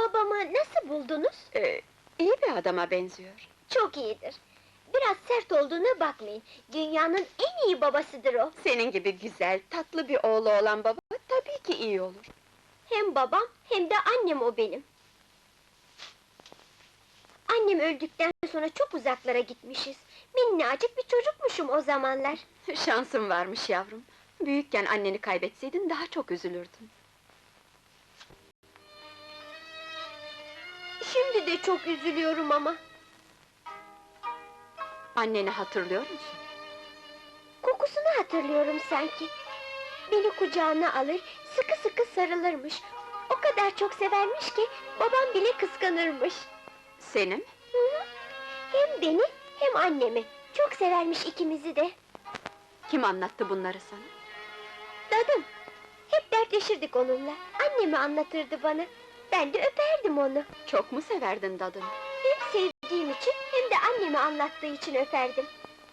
Babamı nasıl buldunuz? İyi bir adama benziyor. Çok iyidir. Biraz sert olduğuna bakmayın. Dünyanın en iyi babasıdır o. Senin gibi güzel, tatlı bir oğlu olan baba tabii ki iyi olur. Hem babam hem de annem o benim. Annem öldükten sonra çok uzaklara gitmişiz. Minnacık bir çocukmuşum o zamanlar. Şansın varmış yavrum. Büyükken anneni kaybetseydin daha çok üzülürdün. Şimdi de çok üzülüyorum ama. Anneni hatırlıyor musun? Kokusunu hatırlıyorum sanki. Beni kucağına alır, sıkı sıkı sarılırmış. O kadar çok severmiş ki, babam bile kıskanırmış. Seni mi? Hı hı. Hem beni, hem annemi. Çok severmiş ikimizi de. Kim anlattı bunları sana? Dadım. Hep dertleşirdik onunla. Annemi anlatırdı bana. Ben de öperdim onu. Çok mu severdin dadını? Hem sevdiğim için, hem de annemi anlattığı için öperdim.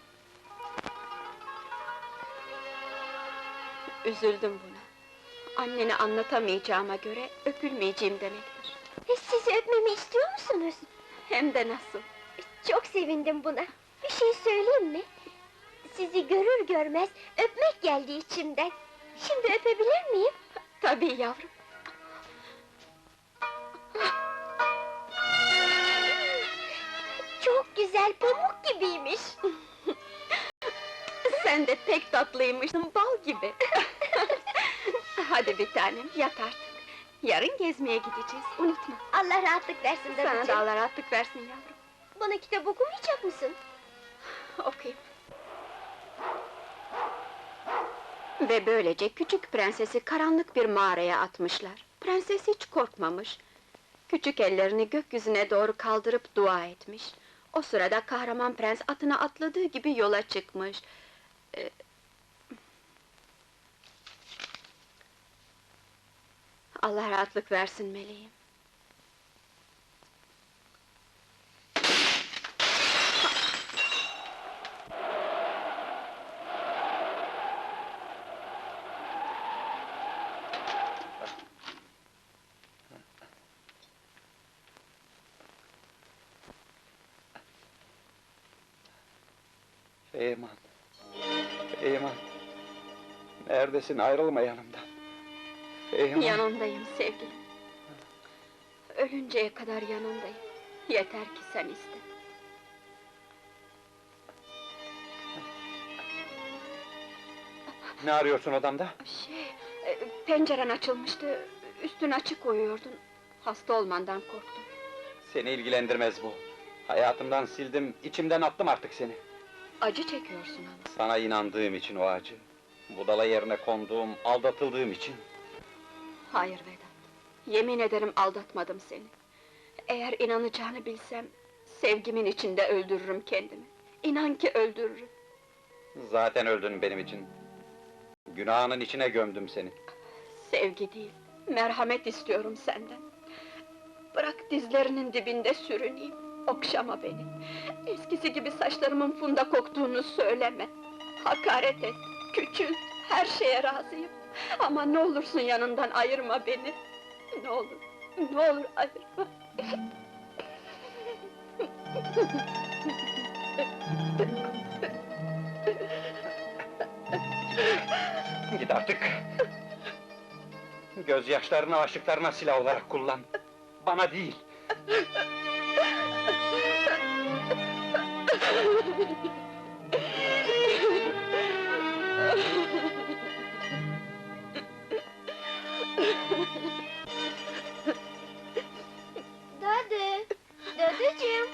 Üzüldüm buna. Anneni anlatamayacağıma göre öpülmeyeceğim demektir. Sizi öpmemi istiyor musunuz? Hem de nasıl? Çok sevindim buna. Bir şey söyleyeyim mi? Sizi görür görmez öpmek geldi içimden. Şimdi öpebilir miyim? Tabii yavrum. Çok güzel, pamuk gibiymiş. Sen de pek tatlıymışsın, bal gibi. Hadi bir tanem, yat artık. Yarın gezmeye gideceğiz, unutma. Allah rahatlık versin Sana da dadıcığım. Allah rahatlık versin yavrum. Bana kitap okumayacak mısın? Okuyayım. Ve böylece küçük prensesi karanlık bir mağaraya atmışlar. Prenses hiç korkmamış. Küçük ellerini gökyüzüne doğru kaldırıp dua etmiş. O sırada kahraman prens atına atladığı gibi yola çıkmış. Allah rahatlık versin meleğim. Feyman! Feyman! Neredesin? Ayrılma yanımdan! Feyman! Yanındayım sevgilim. Ölünceye kadar yanındayım. Yeter ki sen iste. Ne arıyorsun odamda? Penceren açılmıştı, üstün açık uyuyordun. Hasta olmandan korktum. Seni ilgilendirmez bu. Hayatımdan sildim, içimden attım artık seni. Acı çekiyorsun ama. Sana inandığım için o acı. Budala yerine konduğum, aldatıldığım için. Hayır Vedat, yemin ederim aldatmadım seni. Eğer inanacağını bilsem, sevgimin içinde öldürürüm kendimi. İnan ki öldürürüm. Zaten öldün benim için. Günahının içine gömdüm seni. Sevgi değil, merhamet istiyorum senden. Bırak dizlerinin dibinde sürüneyim, okşama beni. Eskisi gibi saçlarımın funda koktuğunu söyleme. Hakaret et, küçült, her şeye razıyım. Ama ne olursun yanından ayırma beni. Ne olur, ne olur ayırma. Git artık! Gözyaşlarını aşıklarına silah olarak kullan! Bana değil! Dadı! Dadıcığım!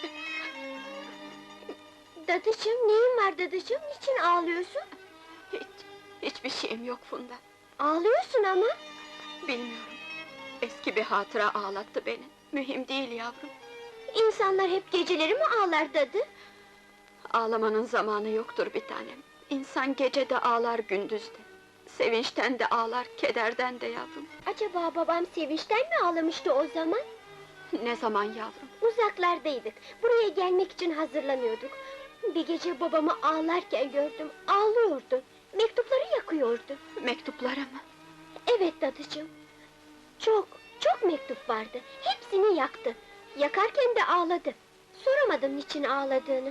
Dadıcığım, neyin var dadıcığım? Niçin ağlıyorsun? Hiçbir şeyim yok Funda. Ağlıyorsun ama! Bilmiyorum. Eski bir hatıra ağlattı beni. Mühim değil yavrum. İnsanlar hep geceleri mi ağlar dadı? Ağlamanın zamanı yoktur bir tanem. İnsan gece de ağlar, gündüz de. Sevinçten de ağlar, kederden de yavrum. Acaba babam sevinçten mi ağlamıştı o zaman? Ne zaman yavrum? Uzaklardaydık, buraya gelmek için hazırlanıyorduk. Bir gece babamı ağlarken gördüm, ağlıyordu. Mektupları yakıyordu. Mektuplara mı? Evet dadıcığım. Çok, Çok mektup vardı, hepsini yaktı. Yakarken de ağladı. Soramadım niçin ağladığını.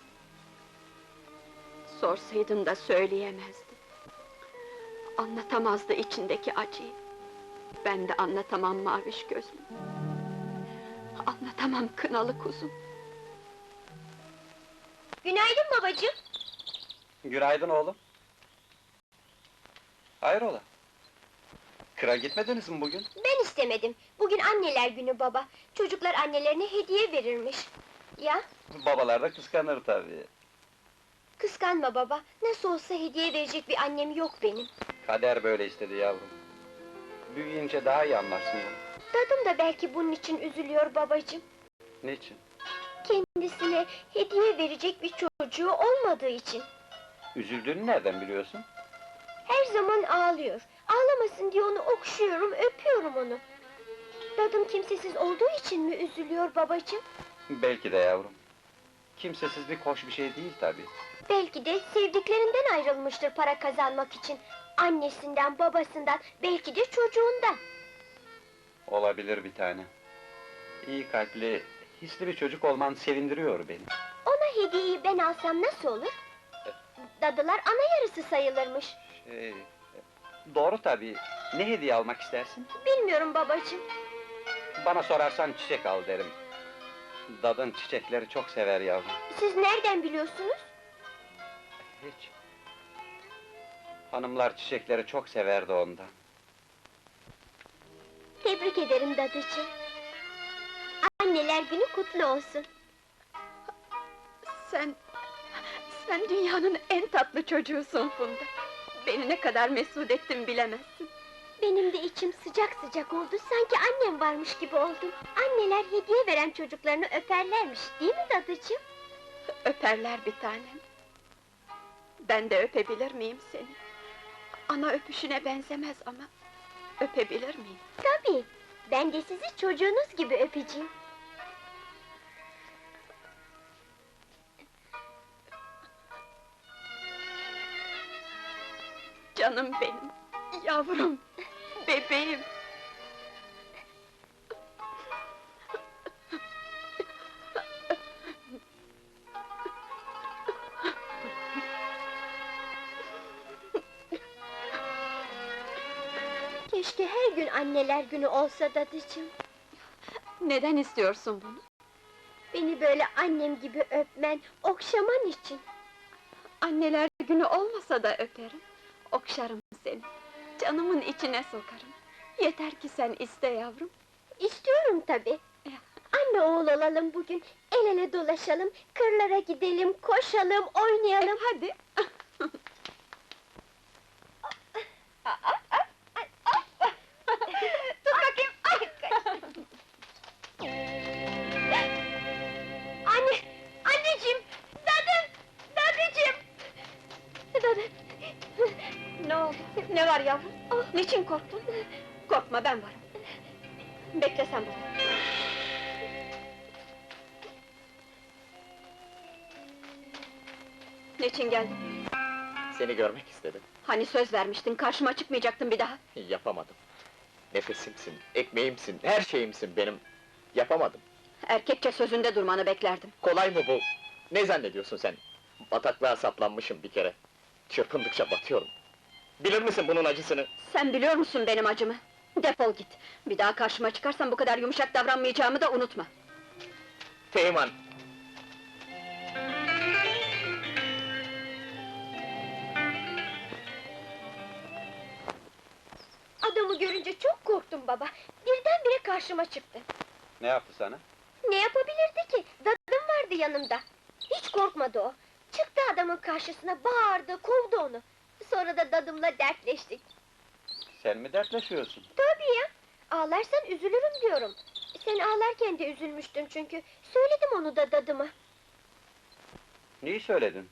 Sorsaydın da söyleyemezdi. Anlatamazdı içindeki acıyı. Ben de anlatamam maviş gözlüm. Anlatamam kınalı kuzum. Günaydın babacığım. Günaydın oğlum. Hayrola? Kıra gitmediniz mi bugün? Ben istemedim. Bugün anneler günü baba. Çocuklar annelerine hediye verirmiş. Ya, Babalar da kıskanır tabii. kıskanma baba. Nasıl olsa hediye verecek bir annem yok benim. Kader böyle istedi yavrum. Büyüyünce daha iyi anlarsın bunu. Dadım da belki bunun için üzülüyor babacığım. Niçin? Kendisine hediye verecek bir çocuğu olmadığı için. Üzüldüğünü nereden biliyorsun? Her zaman ağlıyor. Ağlamasın diye onu okşuyorum, öpüyorum onu. Dadım kimsesiz olduğu için mi üzülüyor babacığım? Belki de yavrum. Kimsesizlik hoş bir şey değil tabii. Belki de sevdiklerinden ayrılmıştır para kazanmak için. Annesinden, babasından, belki de çocuğundan. Olabilir bir tane. İyi kalpli, hisli bir çocuk olman sevindiriyor beni. Ona hediyeyi ben alsam nasıl olur? Dadılar ana yarısı sayılırmış. Doğru tabii. Ne hediye almak istersin? Bilmiyorum babacığım. Bana sorarsan çiçek al derim. Dadın çiçekleri çok sever yavrum. Siz nereden biliyorsunuz? Hiç. Hanımlar çiçekleri çok severdi ondan. Tebrik ederim dadıcığım. Anneler günü kutlu olsun. Sen dünyanın en tatlı çocuğusun Funda. Beni ne kadar mesut ettin bilemezsin. Benim de içim sıcak sıcak oldu, sanki annem varmış gibi oldum. Anneler hediye veren çocuklarını öperlermiş, değil mi dadıcığım? Öperler bir tanem. Ben de öpebilir miyim seni? Ana öpüşüne benzemez ama öpebilir miyim? Tabii, ben de sizi çocuğunuz gibi öpeceğim. Canım benim, yavrum, bebeğim. Keşke her gün anneler günü olsa dadıcığım. Neden istiyorsun bunu? Beni böyle annem gibi öpmen, okşaman için. Anneler günü olmasa da öperim. Okşarım seni. Canımın içine sokarım. Yeter ki sen iste yavrum. İstiyorum tabii. Anne oğul olalım bugün, el ele dolaşalım, kırlara gidelim, koşalım, oynayalım. Hadi. Tut bakayım, ay! Anne, anneciğim, dadıcığım! Dadı! Ne oldu? Ne var yavrum? Niçin korktun? Korkma, ben varım. Bekle sen burada. Niçin geldin? Seni görmek istedim. Hani söz vermiştin, karşıma çıkmayacaktın bir daha. Yapamadım. Nefesimsin, ekmeğimsin, her şeyimsin benim. Yapamadım. Erkekçe sözünde durmanı beklerdim. Kolay mı bu? Ne zannediyorsun sen? Bataklığa saplanmışım bir kere. Çırpındıkça batıyorum. Bilir misin bunun acısını? Sen biliyor musun benim acımı? Defol git! Bir daha karşıma çıkarsan bu kadar yumuşak davranmayacağımı da unutma. Teğmen! Adamı görünce çok korktum baba. Birdenbire karşıma çıktı. Ne yaptı sana? Ne yapabilirdi ki? Dadım vardı yanımda. Hiç korkmadı o. Çıktı adamın karşısına, bağırdı, kovdu onu. Sonra da dadımla dertleştik. Sen mi dertleşiyorsun? Tabii ya! Ağlarsan üzülürüm diyorum. Sen ağlarken de üzülmüştün çünkü. Söyledim onu da dadıma. Neyi söyledin?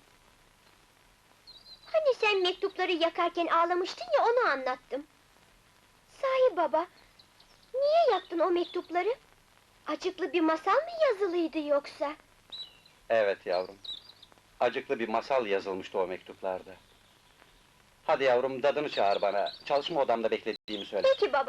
Hani sen mektupları yakarken ağlamıştın ya, onu anlattım. Sahi baba, niye yaktın o mektupları? Acıklı bir masal mı yazılıydı yoksa? Evet yavrum. Acıklı bir masal yazılmıştı o mektuplarda. Hadi yavrum, dadını çağır bana. Çalışma odamda beklediğimi söyle. Peki baba.